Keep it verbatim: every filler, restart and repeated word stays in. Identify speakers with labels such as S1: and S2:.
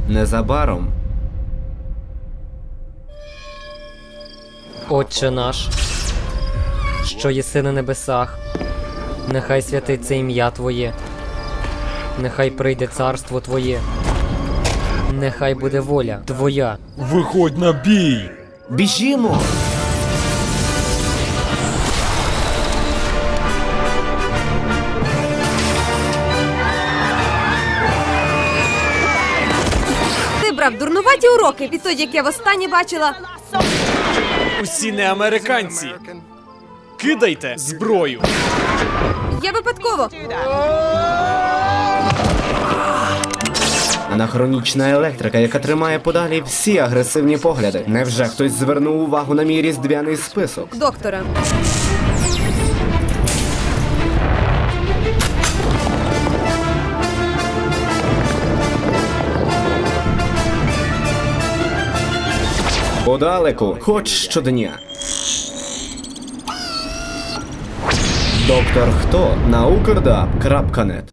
S1: Незабаром.
S2: Отче наш, що єси на небесах, нехай святиться ім'я Твоє, нехай прийде царство Твоє, нехай буде воля Твоя.
S3: Виходь на бій!
S1: Біжімо!
S4: Ти брав дурнуваті уроки відтоді, як я востаннє бачила.
S3: Усі не американці! Кидайте зброю!
S4: Я випадково.
S1: Анахронічна електрика, яка тримає подалі всі агресивні погляди. Невже хтось звернув увагу на мій різдвяний список?
S4: Доктора.
S1: Подалеку, хоч щодня. Доктор Хто на укрдаб крапка нет.